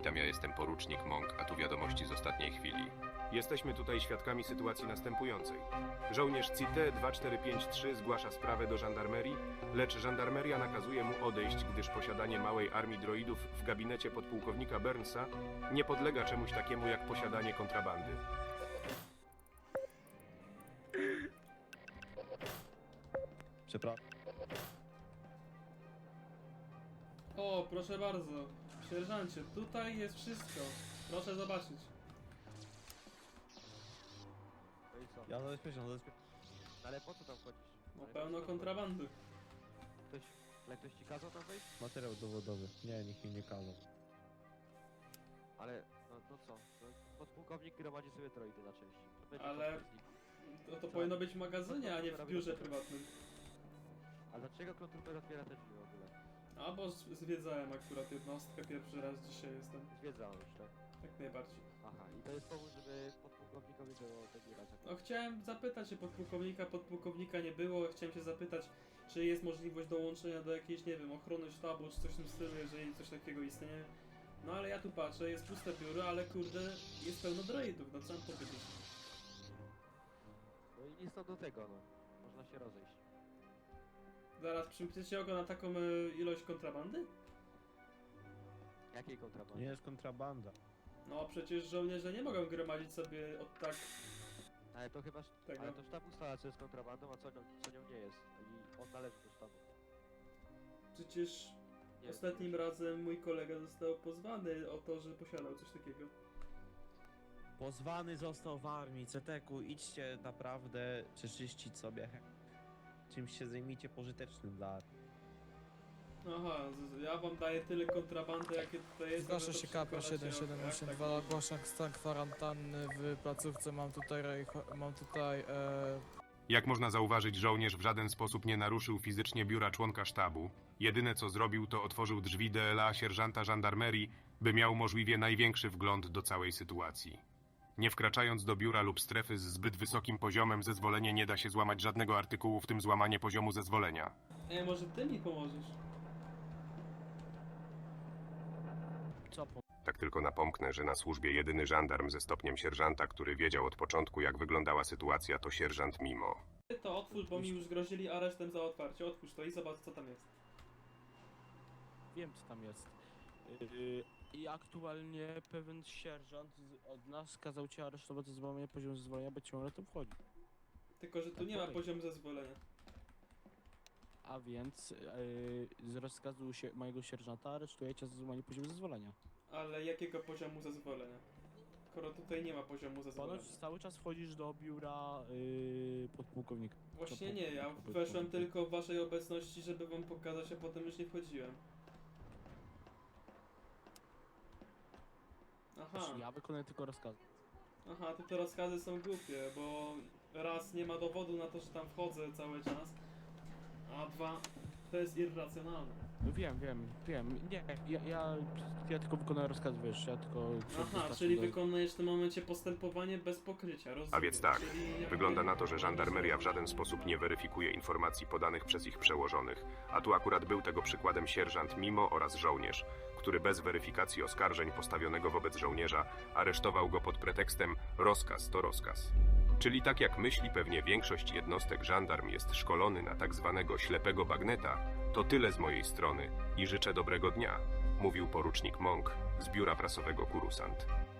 Witam, ja jestem porucznik Monk, a tu wiadomości z ostatniej chwili. Jesteśmy tutaj świadkami sytuacji następującej. Żołnierz CT 2453 zgłasza sprawę do żandarmerii, lecz żandarmeria nakazuje mu odejść, gdyż posiadanie małej armii droidów w gabinecie podpułkownika Burnsa nie podlega czemuś takiemu jak posiadanie kontrabandy. Przepraszam. O, proszę bardzo. Sierżancie, tutaj jest wszystko. Proszę zobaczyć. No i co? Ja zabezpieczam. Ale po co tam chodzisz? No Ale pełno po co tam kontrabandy. chodzisz? Ktoś ci kazał tam wejść? Materiał dowodowy. Nie, nikt mi nie kazał. Ale, no co? No, podpułkownik gromadzi sobie droidy na części. To będzie Ale- kosztowny z nich. To powinno być w magazynie, a nie w biurze prywatnym. A dlaczego kontrupel otwiera te drzwi w ogóle? A bo zwiedzałem akurat jednostkę, pierwszy raz dzisiaj jestem. Zwiedzałem już, tak? Jak najbardziej. Aha, i to jest powód, żeby podpułkownikowi było zabierać. No chciałem zapytać się podpułkownika nie było, chciałem się zapytać, czy jest możliwość dołączenia do jakiejś, nie wiem, ochrony sztabu, czy coś w tym stylu, jeżeli coś takiego istnieje. No ale ja tu patrzę, jest puste biuro, ale kurde, jest pełno droidów, no co mam powiedzieć. No i nic to do tego, no. Można się rozejść. Zaraz, przymkniecie oko na taką ilość kontrabandy? Jakiej To kontrabandy? nie jest kontrabanda. No przecież żołnierze nie mogą gromadzić sobie od tak Ale to chyba... tego. Ale to sztab ustala, co jest kontrabandą, a co nią nie jest. I on należy do sztabu. Przecież Nie, ostatnim razem mój kolega został pozwany o to, że posiadał coś takiego. Pozwany został w armii. CTK-u, idźcie naprawdę przeczyścić sobie. Czymś się zajmijcie pożytecznym dla armii. Aha, ja wam daję tyle kontrabandy, jakie tutaj jest. Zgłasza a wy się to KP przykładacie, jak 7782, tak ogłaszam stan kwarantanny w placówce, mam tutaj Jak można zauważyć, żołnierz w żaden sposób nie naruszył fizycznie biura członka sztabu. Jedyne co zrobił, to otworzył drzwi DLA sierżanta żandarmerii, by miał możliwie największy wgląd do całej sytuacji. Nie wkraczając do biura lub strefy z zbyt wysokim poziomem, zezwolenie nie da się złamać żadnego artykułu, w tym złamanie poziomu zezwolenia. może ty mi pomożesz? co po... Tak tylko napomknę, że na służbie jedyny żandarm ze stopniem sierżanta, który wiedział od początku, jak wyglądała sytuacja, to sierżant Mimo. Ty to otwórz, bo mi już grozili aresztem za otwarcie. Otwórz to i zobacz, co tam jest. Wiem, co tam jest. I aktualnie pewien sierżant od nas kazał cię aresztować za złamanie poziomu zezwolenia, bo ciągle to wchodzi. Tylko, że tu nie ma poziomu zezwolenia. A więc z rozkazu mojego sierżanta aresztuję cię za złamanie poziomu zezwolenia. Ale jakiego poziomu zezwolenia? Skoro tutaj nie ma poziomu zezwolenia. Ponoć cały czas wchodzisz do biura podpułkownika. Właśnie nie, ja weszłem tylko w waszej obecności, żeby wam pokazać, a potem już nie wchodziłem. Aha, Ja wykonuję tylko rozkazy. aha, to te rozkazy są głupie, bo raz nie ma dowodu na to, że tam wchodzę cały czas, a dwa, to jest irracjonalne. No wiem. Nie, ja tylko wykonuję rozkazy, wiesz, ja tylko... Aha, czyli wykonujesz w tym momencie postępowanie bez pokrycia, rozumiem. A więc tak, Czyli jakby- wygląda na to, że żandarmeria w żaden sposób nie weryfikuje informacji podanych przez ich przełożonych, a tu akurat był tego przykładem sierżant Mimo oraz żołnierz, który bez weryfikacji oskarżeń postawionego wobec żołnierza aresztował go pod pretekstem rozkaz to rozkaz. Czyli tak jak myśli pewnie większość jednostek, żandarm jest szkolony na tak zwanego ślepego bagneta, to tyle z mojej strony i życzę dobrego dnia, mówił porucznik Monk z biura prasowego Kurusant.